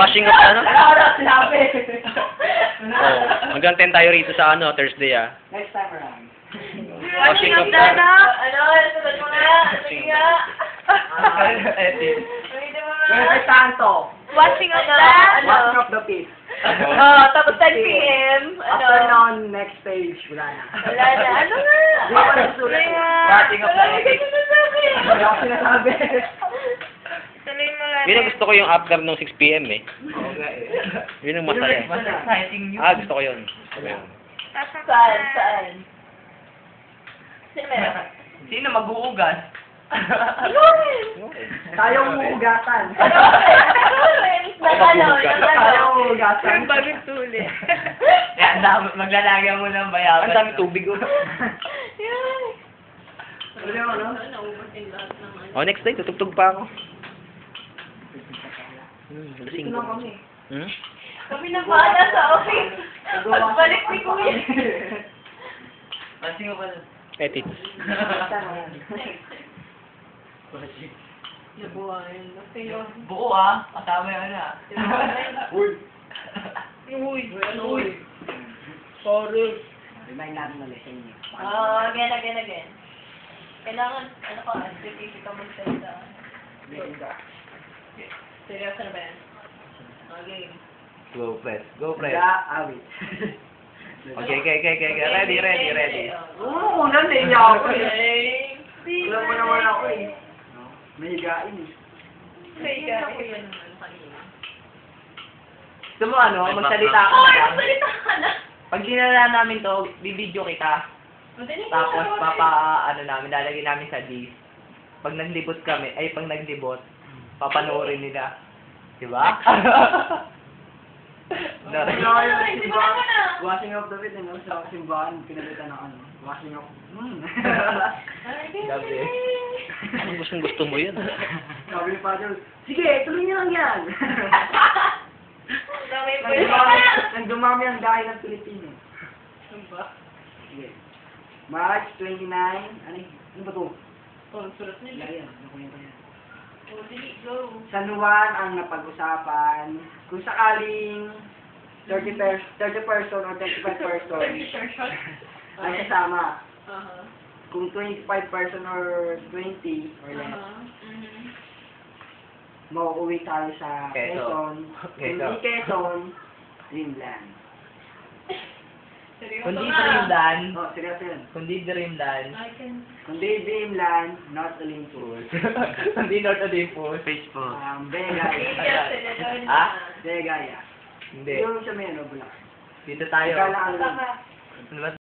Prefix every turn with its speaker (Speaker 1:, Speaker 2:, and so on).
Speaker 1: Washing up ano?
Speaker 2: Sinabi.
Speaker 1: Oh, hanggang 10 tayo rito sa ano, Thursday ah.
Speaker 2: Next time around.
Speaker 1: Washing up
Speaker 3: na.
Speaker 1: na.
Speaker 3: Ano? Sabat mo nga. Sige nga. Ulitin mo nga.
Speaker 2: Kaya Santo.
Speaker 3: Washing up na. Ano?
Speaker 2: Washing up the piece.
Speaker 3: Oh, tapos 10 p.m. Ano?
Speaker 2: Afternoon, next stage, wala na.
Speaker 3: Wala na. Ano nga?
Speaker 2: Di ko nasulat eh.
Speaker 3: Washing up na. Wala ka sinasabi.
Speaker 2: Wala ako sinasabi.
Speaker 3: Tuloy mo lang.
Speaker 1: Yun ang gusto ko yung after nung 6 p.m. eh. Yun ang masaya.
Speaker 2: Mas exciting
Speaker 1: Ah, gusto ko yun. Gusto ko yun.
Speaker 3: Saan? Saan? Sino meron?
Speaker 4: Sino mag-uugas?
Speaker 2: Tayong huhugasan. Tayong huhugasan.
Speaker 3: Bagong tuli.
Speaker 4: Yan, maglalagyan mo ng bayawan.
Speaker 1: Ang dami tubig oh.
Speaker 2: Ano yung ano?
Speaker 1: Oh, next day, tutugtog pa ako.
Speaker 2: Dito
Speaker 1: Lasing
Speaker 2: lang
Speaker 1: ko.
Speaker 2: kami.
Speaker 1: Hmm?
Speaker 3: Kami na bahala sa office. Pagbalik ni Kuya.
Speaker 4: Pansin mo ba?
Speaker 1: Edit.
Speaker 3: Nabuhayan.
Speaker 4: Buo ah. Kasama yung ano ah.
Speaker 2: Uy.
Speaker 3: Uy. Sorry.
Speaker 2: Remind natin ulit sa inyo.
Speaker 3: Again. Kailangan, ano ka, specific ka magsalita. Seryoso na ba yan? Okay.
Speaker 1: Go, press. Go, press.
Speaker 2: Nag-aawit.
Speaker 1: Okay. Ready.
Speaker 2: Oo, unang naiya ako eh.
Speaker 3: Okay.
Speaker 2: Alam mo naman ako eh. May higain eh.
Speaker 4: Gusto mo ano, magsalita ka
Speaker 3: Hoy,
Speaker 4: na lang.
Speaker 3: magsalita ka na!
Speaker 4: Pag dinala namin to, bibidyo kita.
Speaker 3: Madali ka
Speaker 4: Tapos
Speaker 3: na,
Speaker 4: lalagyan namin sa disc. Pag naglibot kami, pag naglibot, papanoorin nila. Diba?
Speaker 2: Washing up the bed, ano, sa simbahan, pinalitan ng ano. Washing up.
Speaker 1: Gabi. Ang gusto mo yun.
Speaker 2: Sabi ni Father, sige, tuloy niyo lang yan. Nang dumami ang dahil ng Pilipino. Sige. March 29, ano ba to? Yan, ano ko yan? San Juan ang napag-usapan. Kung sakaling 30 person or 35 person ang kasama. Kung 25 person or 20 or less, mauuwi tayo sa Quezon. Kung hindi Quezon, Dreamland.
Speaker 4: Kundi Dreamland.
Speaker 2: Oh, seryoso yun.
Speaker 4: Kundi Dreamland.
Speaker 2: Kundi Dreamland, North Olympus.
Speaker 4: Kundi North Olympus.
Speaker 1: Facebook.
Speaker 2: Vegaya.
Speaker 4: Ah?
Speaker 2: Vegaya.
Speaker 4: Hindi.
Speaker 2: Yung sa may ano, Bulacan.
Speaker 4: Dito tayo.
Speaker 2: Kala ano yun.
Speaker 4: Ano ba